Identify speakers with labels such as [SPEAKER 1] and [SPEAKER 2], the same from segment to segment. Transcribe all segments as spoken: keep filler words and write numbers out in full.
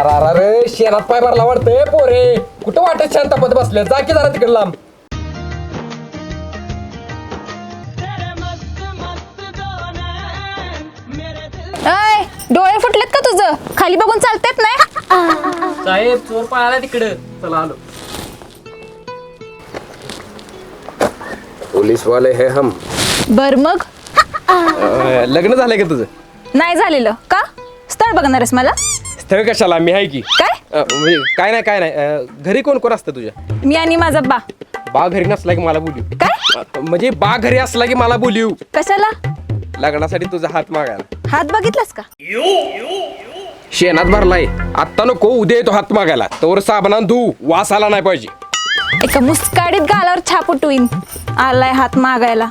[SPEAKER 1] अरे अरे शेणात पाय भरला वाटतंय पोरे. कुठं वाटत शांत पद बसले, जा की जरा तिकडे लांब.
[SPEAKER 2] अय डोळे फुटलेत का तुझं? खाली बघून चालतेत नाही?
[SPEAKER 3] साहेब चोर पळाला तिकडं. चला आलो.
[SPEAKER 1] पोलीस वाले हे हम.
[SPEAKER 2] बर मग
[SPEAKER 1] लग्न झालंय का तुझं?
[SPEAKER 2] नाही झालेलं का? स्थळ बघणार आहेस मला?
[SPEAKER 1] स्थळ कशाला, मी आहे की.
[SPEAKER 2] काय?
[SPEAKER 1] अ, म्हणजे काय नाही काय नाही अ, घरी कोण कोण असतं तुझ्या?
[SPEAKER 2] मी आणि माझा बा.
[SPEAKER 1] बा घरी नसला की मला बोलू.
[SPEAKER 2] काय?
[SPEAKER 1] अ, म्हणजे बा घरी असला की मला बोलू.
[SPEAKER 2] कशाला?
[SPEAKER 1] लग्नासाठी तुझा हात मागायला.
[SPEAKER 2] हात बघितलास का?
[SPEAKER 1] शेणात भरलाय, आत्ता नको उद्या येतो हात मागायला. तोवर साबणान धू, वास आला नाही पाहिजे.
[SPEAKER 2] एका मुस्काडीत गालावर छाप उठवीन. आलाय हात मागायला.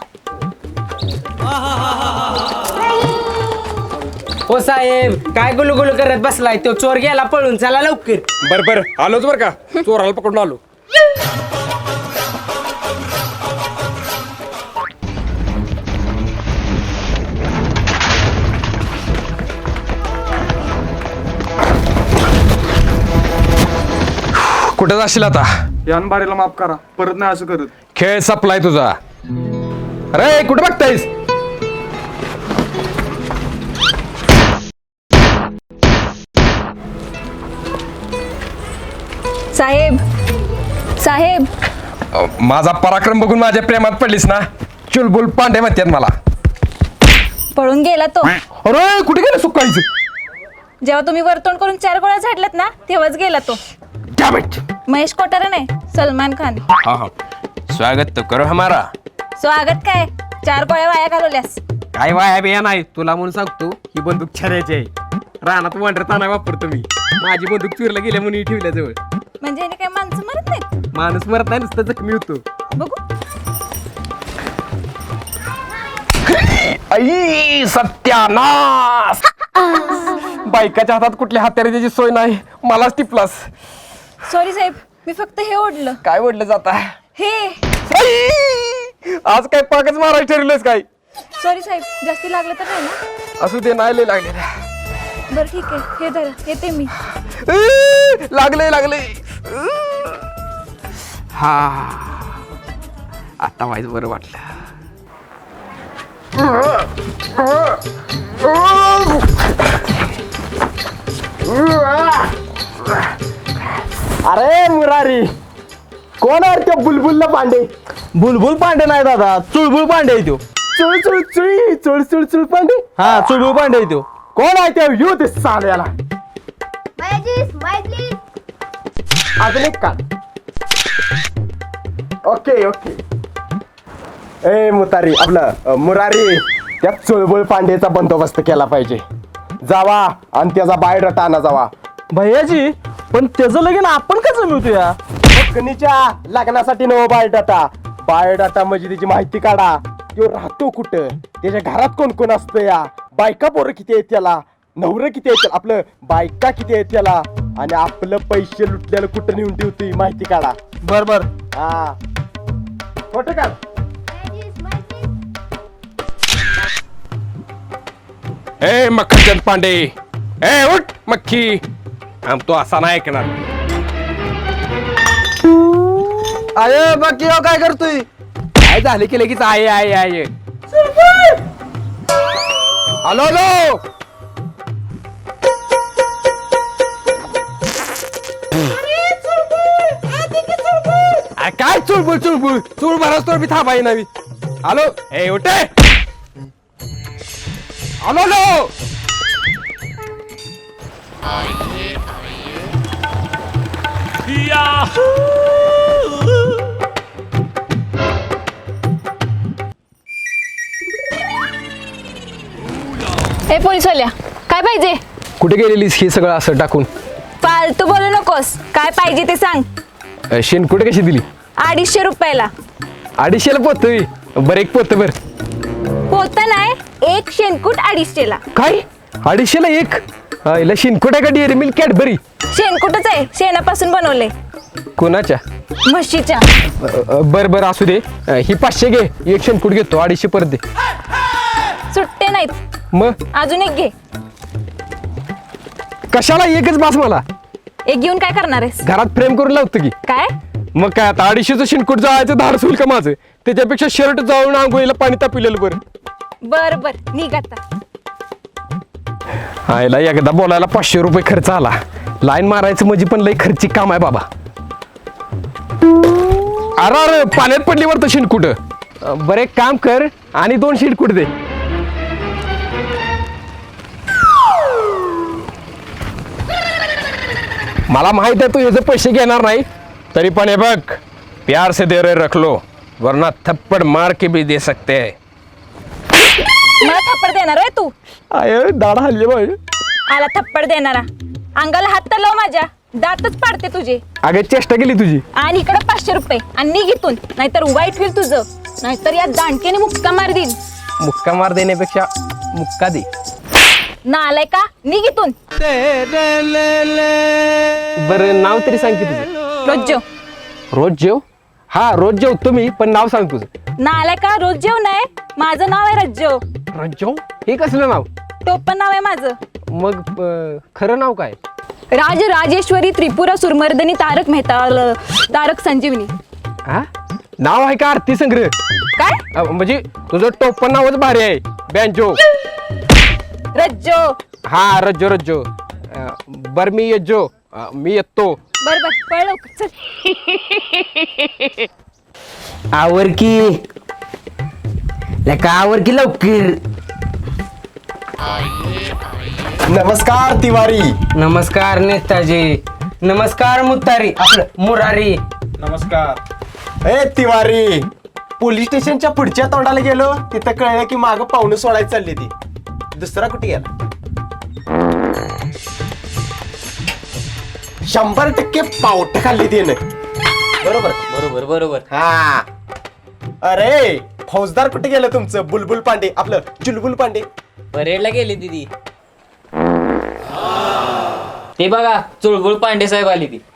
[SPEAKER 3] हो साहेब काय गुलू गुलू करत बसलाय? तो चोर गेला पळून. चला लवकर.
[SPEAKER 1] बर बर आलोच बर का, चोराला पकडून आलो. कुठं जाशील आता?
[SPEAKER 4] यान बारीला माफ करा, परत नाही असं करत.
[SPEAKER 1] खेळ सपलाय तुझा. अरे कुठं बघतायस?
[SPEAKER 2] साहेब साहेब
[SPEAKER 1] अ, माझा पराक्रम बघून माझ्या प्रेमात पडलीस ना? चुलबुल पांडे म्हणतात मला.
[SPEAKER 2] पळून गेला तो.
[SPEAKER 1] अरे कुठे गेलं सुकायचं?
[SPEAKER 2] जेव्हा तुम्ही वरतोंड करून चार गोळ्या झाडल्यात ना तेव्हाच गेला तो.
[SPEAKER 1] Damn it!
[SPEAKER 2] महेश कोठारे नाही, सलमान खान.
[SPEAKER 1] हाँ हाँ, स्वागत तो करो हमारा.
[SPEAKER 2] स्वागत काय, चार गोळ्या वाया घालवल्यास.
[SPEAKER 1] काय वाया बिया नाही, तुला म्हणून सांगतो ही बंदूक छऱ्याची आहे. रानात वांडरताना वापरतो मी. माझी बंदूक चुरला गेल्या म्हणून ठेवल्या जवळ.
[SPEAKER 2] म्हणजे याने काय माणसं मरत नाहीत?
[SPEAKER 1] माणूस मरत नाही, नुसतं जखमी होतो.
[SPEAKER 2] बघू.
[SPEAKER 1] आई सत्यानाश! बायकाच्या हातात कुठल्या हत्याराची सोय नाही, मलाच टिपलास.
[SPEAKER 2] सॉरी साहेब, मी फक्त हे ओढलं.
[SPEAKER 1] काय ओढलं जाता?
[SPEAKER 2] हे.
[SPEAKER 1] आज काय पाकच मारायला ठरवलंस काय?
[SPEAKER 2] सॉरी साहेब, जास्ती लागलं तर नाही ना?
[SPEAKER 1] असू दे, नाही लय लागले.
[SPEAKER 2] बरं ठीक आहे, हे धरा, येते मी.
[SPEAKER 1] लागले लागले. हा आता वाईज बरं वाटलं.
[SPEAKER 5] अरे मुरारी, कोण आहे त्या बुलबुलला पांडे?
[SPEAKER 6] बुलबुल पांडे नाही दादा, चुळबुळ पांडे आहे तो.
[SPEAKER 5] चुळ चुळ चुळी चुळ चुळ चुळ पांडे.
[SPEAKER 6] हा चुळबुळ पांडे आहे तो.
[SPEAKER 5] कोण आहे त्या यू ते साल्याला? अजून एक का? Okay okay. ए मुतारी आपलं अ, मुरारी, त्या चुळबुळ पांडेचा बंदोबस्त केला पाहिजे. जावा आणि त्याचा बायोडाटा आणा जावा.
[SPEAKER 6] भैयाजी, पण त्याचं लगीन आपण कसं मिळतो या?
[SPEAKER 5] फकनीच्या लग्नासाठी नव बायोडाटा. बायोडाटा म्हणजे त्याची माहिती काढा. तो राहतो कुठं, त्याच्या घरात कोण कोण असतं, या बायका पोरं किती आहेत त्याला, नवरं किती आहेत त्याला, आपलं बायका किती आहेत त्याला, आणि आपलं पैसे लुटल्याला कुठं नेऊन ठेवतोय माहिती काढा.
[SPEAKER 6] बर बर.
[SPEAKER 5] हा फोटो काढ.
[SPEAKER 1] ए मक्खनचंद पांडे, ए उठ मक्खी. आम तो असा नाही ऐकणार.
[SPEAKER 6] अरे बाकी हो काय करतोय?
[SPEAKER 1] काय झाले की लगेच आहे आहे आहे. Hello hello. आ, काय चुळबुळ चुळबुळ चुळ भरास तर मी थांबाई नवी. हॅलो ए उठे. Hello hello.
[SPEAKER 2] ए पोलीसवाल्या, काय पाहिजे?
[SPEAKER 1] कुठे गेलेलीस हे सगळं असं टाकून?
[SPEAKER 2] फालतू बोलू नकोस. काय पाहिजे ते सांग.
[SPEAKER 1] अ, शेणकुट कशी दिली?
[SPEAKER 2] अडीचशे रुपयाला.
[SPEAKER 1] अडीचशेला पोत बरं, एक पोत बर.
[SPEAKER 2] पोत नाही, एक शेणकूट अडीचशेला.
[SPEAKER 1] काय अडीचशेला एक? हिला शेणकुट आहे का डेअरी मिल्क कॅडबरी?
[SPEAKER 2] शेणकुटच आहे, शेणापासून बनवले.
[SPEAKER 1] कोणाच्या?
[SPEAKER 2] म्हशीच्या.
[SPEAKER 1] बर बर असू दे. अ, ही पाचशे घे, एक शेणकुट घेतो, अडीचशे परत दे.
[SPEAKER 2] सुट्टे नाहीत,
[SPEAKER 1] मग
[SPEAKER 2] अजून एक घे.
[SPEAKER 1] कशाला? एकच बास मला.
[SPEAKER 2] एक घेऊन काय करणार आहेस
[SPEAKER 1] घरात फ्रेम करून लावतो की.
[SPEAKER 2] काय
[SPEAKER 1] मग काय आता अडीचशेचं शिनकूट जायचं धाडस होईल का माझं? त्याच्यापेक्षा शर्ट जाऊन आंघोळीला पाणी तापिलेलं बरं.
[SPEAKER 2] बर बर निघ आता.
[SPEAKER 1] आयला एकदा बोलायला पाचशे रुपये खर्च आला. लाईन मारायचं म्हणजे पण लई खर्चिक काम आहे बाबा. अरे अरे पाण्यात पडली वर तर शिनकुट. बरं एक काम कर आणि दोन शिनकुट दे. मला माहित आहे तू ह्याचे पैसे घेणार नाही, तरी पण हे बघ, प्यार से दे रहे रख लो, वरना थप्पड़ मार के भी दे सकते हैं.
[SPEAKER 2] मला थप्पड देणार आहे तू?
[SPEAKER 1] आय दाढा हल्ली बाई.
[SPEAKER 2] आला थप्पड देणारा. अंगाला हात तर लाव माझ्या, दातच पाडते तुझे.
[SPEAKER 1] अगे चेष्टा केली तुझी.
[SPEAKER 2] आणि इकडे पाचशे रुपये आणि निघ इथून, नाहीतर वाईट होईल तुझं. नाहीतर या दांडकेने मुक्का मार देईन.
[SPEAKER 1] मुक्का मार देण्यापेक्षा मुक्का दे.
[SPEAKER 2] नालाय का, निघ इथून.
[SPEAKER 1] बरं नाव तरी सांग की तुझं.
[SPEAKER 2] रोज जेव.
[SPEAKER 1] रोज जेव? हा रोज जेव तुम्ही, पण नाव सांग तुझं.
[SPEAKER 2] नालाय का, रोज जेव नाही, माझं नाव आहे रज्जो.
[SPEAKER 1] रोज जेव हे कसलं नाव?
[SPEAKER 2] टोपण नाव आहे माझं.
[SPEAKER 1] मग अं, खरं नाव काय?
[SPEAKER 2] राज राजेश्वरी त्रिपुरा सुरमर्दनी तारक मेहता ल- तारक संजीवनी.
[SPEAKER 1] हा नाव आहे का आरती संग्रह?
[SPEAKER 2] काय
[SPEAKER 1] अं, म्हणजे तुझं टोपण नावच भारी आहे, बँजो.
[SPEAKER 2] रज्जो.
[SPEAKER 1] हा रज्जो रज्जो. अं, बर मी येजो. अं, मी येतो.
[SPEAKER 2] बर बर पळ लवकर, चल.
[SPEAKER 3] आवर की लका आवर की लवकर.
[SPEAKER 5] नमस्कार तिवारी.
[SPEAKER 3] नमस्कार नेताजी. नमस्कार मुतारी आपलं मुरारी.
[SPEAKER 4] नमस्कार.
[SPEAKER 5] ए तिवारी, पोलीस स्टेशनच्या पुढच्या तोंडाला गेलो, तिथं कळलं की मागं पाहुणं सोडायला चालली ती. दुसरा कुठे गेला? शंभर टक्के पावट खाल्ली तिने. बरोबर
[SPEAKER 3] बरोबर बरोबर.
[SPEAKER 5] हा. अरे फौजदार कुठे गेलं तुमचं? बुलबुल पांडे, आपलं चुलबुल पांडे.
[SPEAKER 7] परेडला गेली दिदी. ते बघा चुळबुळ पांडे साहेब आली ती.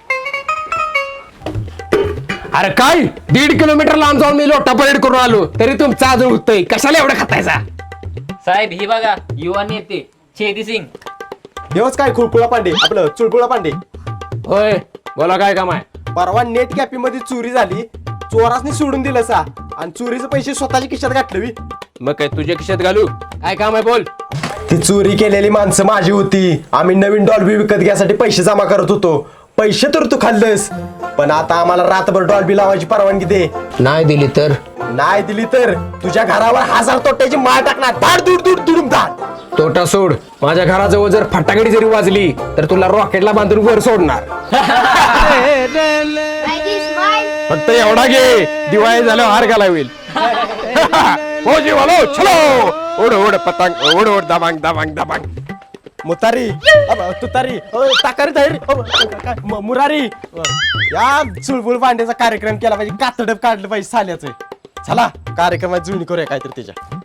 [SPEAKER 1] अरे काय दीड किलोमीटर लांब जाऊन मी लोटा परेड करून आलो, तरी तुमचा अजून होतोय. कशाला एवढं खातायचा?
[SPEAKER 7] साहेब ही बघा युवा नेते छेदी सिंग.
[SPEAKER 5] देवच काय खुळकुळा पांडे, आपलं चुळबुळा पांडे.
[SPEAKER 1] होय बोला काय काम आहे?
[SPEAKER 5] परवा नेट कॅपी मध्ये चोरी झाली, चोरासनी सोडून दिलं सा, आणि चोरीचे पैसे स्वतःच्या खिशात घातले.
[SPEAKER 1] मग काय तुझ्या खिशात घालू? काय काम आहे बोल.
[SPEAKER 5] ती चोरी केलेली माणसं माझी होती. आम्ही नवीन डॉल्बी विकत घ्यासाठी पैसे जमा करत होतो. पैसे तर तू खाल्लंस, पण आता आम्हाला रातभर डॉल्बी लावायची परवानगी दे.
[SPEAKER 1] नाही दिली तर?
[SPEAKER 5] नाही दिली तर तुझ्या घरावर हजार तोट्याची माळ टाकणार. धाड दूर दूर दुडूम धाड.
[SPEAKER 1] तोटा सोड, माझ्या घराजवळ जर फटाकडी जरी वाजली तर तुला रॉकेटला बांधून वर सोडणार. फक्त एवढा घे, दिवाळी झाल्यावर हार घाला होईल. हो जीवालो चलो, ओढ ओढ पतंग, ओढ ओढ दबांग दबांग दबांग.
[SPEAKER 5] मुतारी, अब तुतारी, अ, ताकारी तयारी, अ, काय, म- मुरारी. अ, या चुळबुळ पांड्याचा कार्यक्रम केला पाहिजे, कातडप काढलं पाहिजे साल्याचं. चला कार्यक्रमात जुळणी करूया काहीतरी त्याच्या.